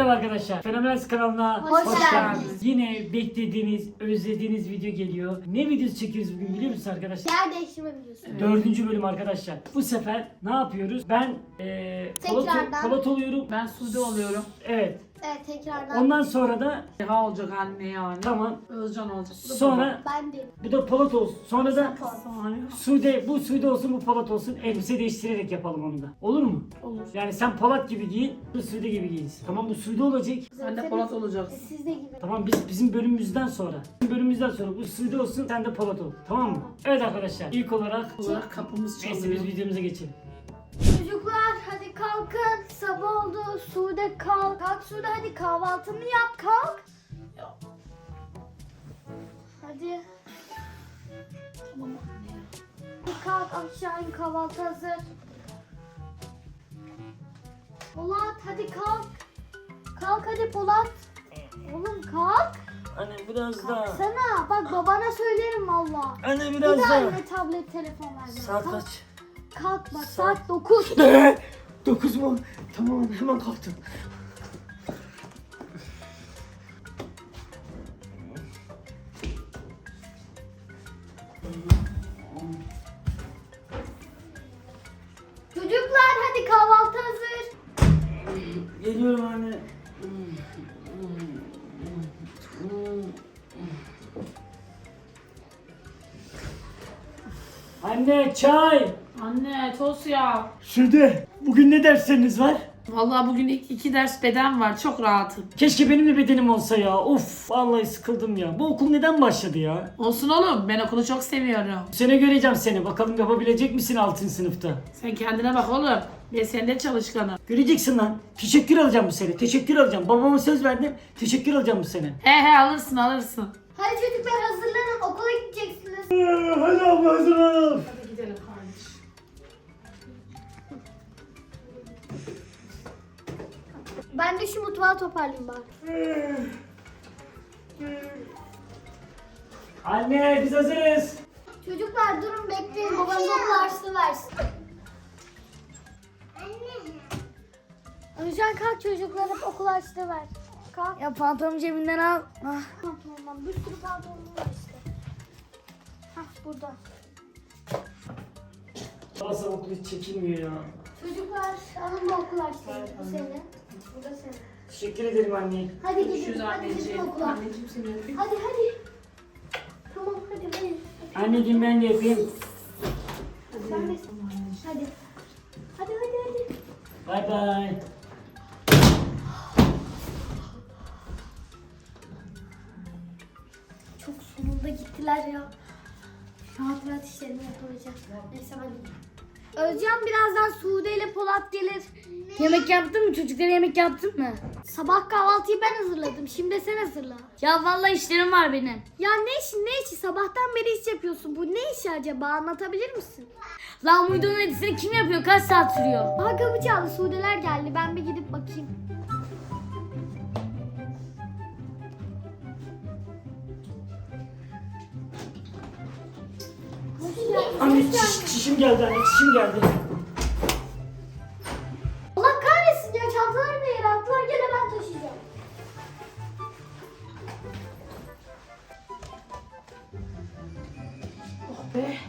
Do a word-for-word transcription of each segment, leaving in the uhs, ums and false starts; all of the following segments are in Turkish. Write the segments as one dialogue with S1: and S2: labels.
S1: Merhaba arkadaşlar. Fenomenal kanalına
S2: Hoş
S1: hoş,
S2: geldiniz.
S1: geldiniz. Yine beklediğiniz, özlediğiniz video geliyor. Ne videosu çekiyoruz bugün biliyor musunuz arkadaşlar?
S2: Yer değiştirme videosu.
S1: Dördüncü bölüm arkadaşlar. Bu sefer ne yapıyoruz? Ben eee Polat,
S2: Tekrardan.
S1: Polat oluyorum.
S3: Ben Sude oluyorum.
S1: Evet.
S2: Evet tekrardan.
S1: Ondan sonra da
S3: Reha olacak anne yani.
S1: tamam.
S3: Özcan olacak. Bu da
S1: Sonra
S2: Ben de.
S1: bu da Polat olsun. Sonra da
S3: baba. Sonra
S1: Sude, bu Sude olsun, bu Polat olsun. Elbise değiştirerek yapalım onu da. Olur mu?
S3: olur.
S1: Yani sen Polat gibi giyin, bu Sude gibi giyinsin. Tamam, bu Sude olacak.
S3: Sen de Polat olacaksın.
S2: Siz de gibi.
S1: Tamam, biz bizim bölümümüzden sonra. Bizim bölümümüzden sonra bu Sude olsun, sen de Polat ol. Tamam mı? Evet arkadaşlar, ilk olarak
S3: Olarak kapımız
S1: neyse
S3: çalıyor.
S1: biz videomuza geçelim.
S2: Çocuklar hadi kalkın. Sabah oldu. Sude kalk. Kalk Sude hadi kahvaltını yap. Kalk. Hadi.
S3: Tamam anne ya.
S2: Hadi kalk aşağı in, kahvaltı hazır. Polat hadi kalk. Kalk hadi Polat. Oğlum kalk.
S1: Anne biraz daha.
S2: Sana bak babana söylerim valla.
S1: Anne
S2: Bir
S1: biraz
S2: daha
S1: daha.
S2: eline tablet telefon ver.
S1: Saat
S2: Kalk.
S1: kaç?
S2: Kalk bak
S1: Saat-
S2: saat dokuz.
S1: Ne? Dokuz mu? Tamam anne, hemen kalktım.
S2: Çocuklar hadi kahvaltı hazır.
S1: Geliyorum anne. Anne çay.
S3: Anne tost ya.
S1: Sude, bugün ne dersleriniz var?
S3: Vallahi bugün iki, iki ders beden var. Çok rahatım.
S1: Keşke benim de bedenim olsa ya. Of, vallahi sıkıldım ya. Bu okul neden başladı ya?
S3: Olsun oğlum. Ben okulu çok seviyorum.
S1: Bu sene göreceğim seni. Bakalım yapabilecek misin altın sınıfta?
S3: Sen kendine bak oğlum. Ben senden çalışkanım.
S1: Göreceksin lan. Teşekkür alacağım bu sene. Teşekkür alacağım. Babama söz verdim. Teşekkür alacağım bu sene.
S3: He he alırsın alırsın.
S2: Hadi çocuklar hazırlanın okula gideceksiniz.
S1: Hadi abla hazırlanalım.
S3: Hadi gidelim kardeş.
S2: Ben de şu mutfağı toparlayayım bari.
S1: Anne biz hazırız.
S2: Çocuklar durun bekleyin babanız okul harçlığı versin. Özcan kalk çocuklara okul harçlığı ver. Kalk.
S4: Ya pantolonu cebinden al. Ah.
S2: Pantolondan bir sürü pantolonum var işte. Hah burada.
S1: Babası okul hiç çekilmiyor ya.
S2: Çocuklar alın bu okul harçlığı. Bu senin. Bu da senin.
S1: Teşekkür ederim anne.
S2: Hadi
S3: Görüşürüz
S2: gidin. Hadi gidin
S3: anneciğim.
S2: okula.
S3: Anneciğim seni öpeyim.
S2: Hadi hadi. Tamam hadi hadi.
S1: Anneciğim ben de yapayım.
S2: Sen de. Hadi. Hadi hadi hadi.
S1: Bay bay.
S2: Çok sonunda gittiler ya. Rahat rahat işlerimi yapabileceğim. Neyse ben gideyim. Özcan birazdan Sude ile Polat gelir.
S4: Yemek yaptın mı? Çocuklara yemek yaptın mı?
S2: Sabah kahvaltıyı ben hazırladım. Şimdi sen hazırla.
S4: Ya vallahi işlerim var benim.
S2: Ya ne işi ne işi? Sabahtan beri iş yapıyorsun. Bu ne işi acaba? Anlatabilir misin?
S4: Lan uydunun edisini kim yapıyor? Kaç saat sürüyor?
S2: Aha kapı çaldı. Sudeler geldi. Ben bir gidip bakayım. Hoş geldin.
S1: Anne
S2: Hoş
S1: çiş,
S2: geldin.
S1: çişim geldi anne, çişim geldi.
S2: Allah kahretsin ya. Çantaları da yere attılar. Gene ben taşıyacağım.
S3: Oh be.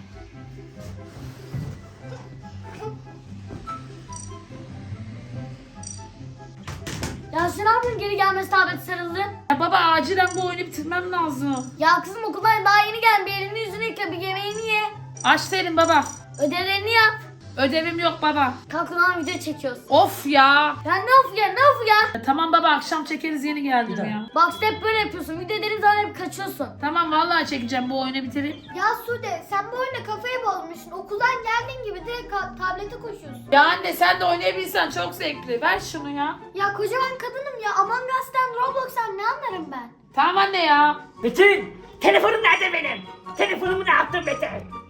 S4: Ya sen ne yapıyorsun? Geri gelmesi tableti sarıldı.
S3: Ya baba acilen bu oyunu bitirmem lazım.
S4: Ya kızım okuldan daha yeni geldim. Bir elini yüzünü yıka. Bir yemeğini ye.
S3: Aç değilim baba.
S4: Ödevlerini yap.
S3: Ödevim yok baba.
S4: Kalk ulan video çekiyoruz.
S3: Of ya.
S4: Ya ne of ya ne of ya.
S3: Ya tamam baba akşam çekeriz yeni geldim
S1: Bir
S3: ya.
S4: Bak işte hep böyle yapıyorsun. Video dediğin zaman hep kaçıyorsun.
S3: Tamam vallahi çekeceğim bu oyunu bitireyim.
S2: Ya Sude sen bu oyuna kafayı bozmuşsun. Okuldan geldiğin gibi direkt ka- tablete koşuyorsun.
S3: Ya anne sen de oynayabilsen çok zevkli. Ver şunu ya.
S2: Ya kocaman kadınım ya. Among Us'tan Roblox'tan ne anlarım ben?
S3: Tamam anne ya.
S1: Metin, telefonum nerede benim? Telefonumu ne yaptın Metin?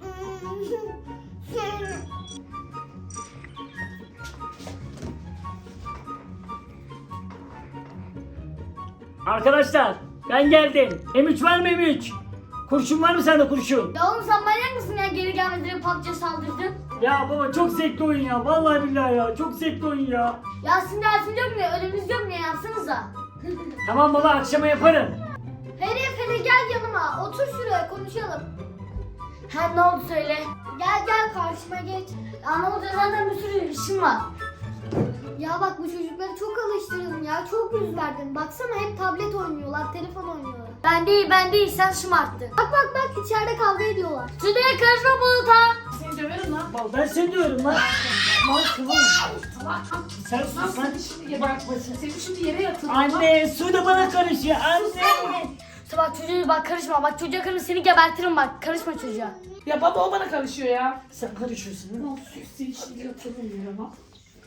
S1: Arkadaşlar, ben geldim. M üç var mı M üç? Kurşun var mı sende kurşun?
S4: Ya oğlum sen manyak mısın ya? Geri gelmeden P U B G'ye saldırdın.
S1: Ya baba çok zevkli oyun ya. Vallahi billahi ya. Çok zevkli oyun ya.
S4: Yasin dersin yok mu? Önümüz yok mu? Yapsanıza.
S1: Tamam baba, akşama yaparım.
S2: Herif hele gel yanıma. Otur şuraya konuşalım.
S4: Ha ne oldu söyle.
S2: Gel gel karşıma geç.
S4: Ya ne oldu zaten bir sürü işim var.
S2: Ya bak bu çocukları çok alıştırdın ya. Çok yüz verdin. Baksana hep tablet oynuyorlar, telefon oynuyorlar.
S4: Ben değil ben değil sen şımarttın.
S2: Bak bak bak içeride kavga ediyorlar.
S4: Sude'ye karışma Bulut'a.
S3: Seni döverim lan.
S1: Bal ben seni diyorum lan. Mal kıvır.
S3: Tamam.
S1: Sen
S3: Lan
S1: sus lan.
S3: seni şimdi yere yatmasın. Seni şimdi yere yatırırım.
S1: Anne, su da bana karışıyor. Anne.
S4: Bak çocuğa bak karışma. Bak çocuğa karışma seni gebertirim bak. Karışma çocuğa.
S3: Ya baba o bana karışıyor ya.
S1: Sen karışıyorsun değil mi?
S3: Lan sus seni şimdi yatırırım ya lan.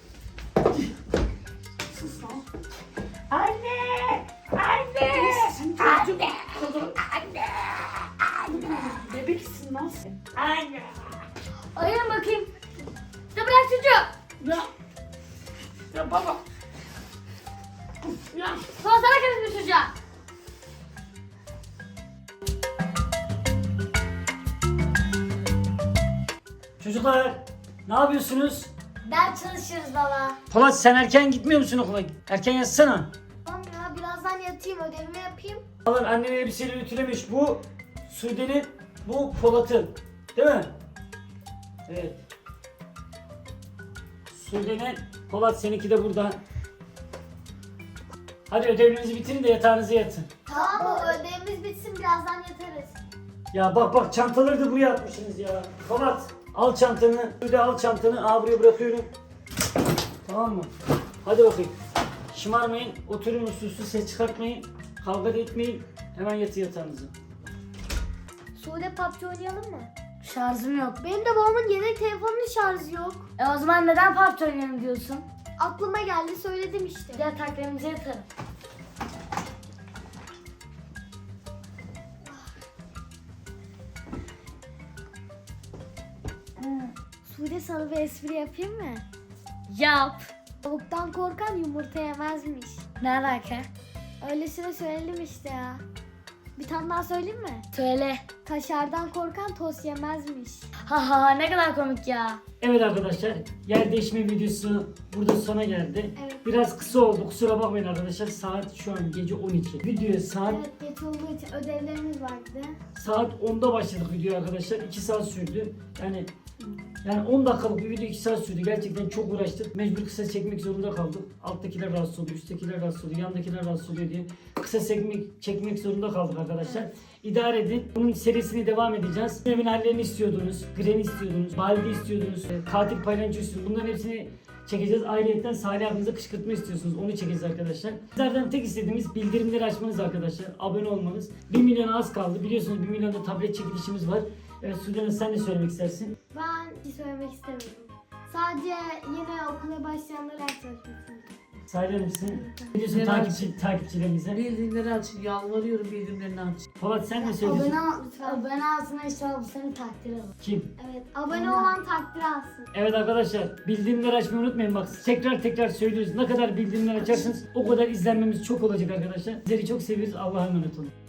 S3: Sus lan.
S1: Anne. Anne.
S3: Sen çocuk kadar. Anne. Bebeksin lan sen.
S1: Anne.
S4: Ayırın bakayım. Ya bırak çocuğu.
S3: Ya. Ya baba. Ya.
S4: Sonra sana karışma çocuğa.
S1: Çocuklar, ne yapıyorsunuz?
S4: Ders çalışırız baba.
S1: Polat, sen erken gitmiyor musun okula? Erken yatsana.
S2: Tamam ya birazdan yatayım ödevimi yapayım.
S1: Alın, annen elbiseleri ütülemiş. Bu Sude'nin, bu Polat'ın. Değil mi? Evet. Sude'nin, Polat seninki de burada. Hadi ödevlerinizi bitirin de yatağınıza yatın.
S2: Tamam o ödevimiz bitsin birazdan yatarız.
S1: Ya bak bak, çantaları da buraya atmışsınız ya. Polat, al çantanı, Sude al çantanı. Aa, buraya bırakıyorum. Tamam mı? Hadi bakayım. Şımarmayın, oturun uslu uslu, ses çıkartmayın. Kavga da etmeyin. Hemen yatı yatağınıza.
S2: Sude P U B G oynayalım mı?
S4: Şarjım yok.
S2: Benim de babamın yedek telefonunun şarjı yok.
S4: E o zaman neden P U B G oynayalım diyorsun?
S2: Aklıma geldi söyledim işte.
S4: Yataklarımıza yatarım.
S2: Sude sana bir espri yapayım mı?
S4: Yap.
S2: Tavuktan korkan yumurta yemezmiş.
S4: Ne alaka?
S2: Öylesine söyledim işte ya. Bir tane daha söyleyeyim mi?
S4: Söyle.
S2: Kaşardan korkan tost yemezmiş.
S4: Ha ha ha ne kadar komik ya.
S1: Evet arkadaşlar, yer değişme videosu burada sona geldi.
S2: Evet.
S1: Biraz kısa oldu, kusura bakmayın arkadaşlar. Saat şu an gece on iki. Videoya saat
S2: Evet geç olduğu için ödevlerimiz vardı.
S1: saat onda başladık video arkadaşlar. iki saat sürdü. Yani yani on dakikalık bir video iki saat sürdü. Gerçekten çok uğraştık. Mecbur kısa çekmek zorunda kaldık. Alttakiler rahatsız oluyor, üsttekiler rahatsız oluyor, yandakiler rahatsız oluyor diye kısa çekmek, çekmek zorunda kaldık arkadaşlar. İdare edin. Bunun serisini devam edeceğiz. Evin hallerini istiyordunuz, Granny istiyordunuz, Baldi istiyordunuz, e, katil paylancı istiyordunuz. Bunların hepsini çekeceğiz. Ayrıca Salih abinize kışkırtma istiyorsunuz. Onu çekeceğiz arkadaşlar. Sizlerden tek istediğimiz bildirimleri açmanız arkadaşlar. Abone olmanız. bir milyona az kaldı. Biliyorsunuz bir milyonda tablet çekilişimiz var. Evet Sudan'a sen de söylemek istersin.
S2: Ben bir şey söylemek istemiyorum. Sadece yeni okula başlayanlara yaklaşmışsın.
S1: Söyler misin? Ne diyorsun
S3: Merak
S1: takipçi, takipçilerimize?
S3: Bildirimleri aç. Yalvarıyorum bildirimlerini aç.
S1: Polat sen ne söylüyorsun?
S4: Abone ol lütfen. Abone olsana inşallah bu seni takdir alır.
S1: Kim?
S2: Evet abone olan takdir alsın.
S1: Evet arkadaşlar, bildirimleri açmayı unutmayın. Bak tekrar tekrar söylüyoruz. Ne kadar bildirimler açarsanız o kadar izlenmemiz çok olacak arkadaşlar. Sizleri çok seviyoruz. Allah'a emanet olun.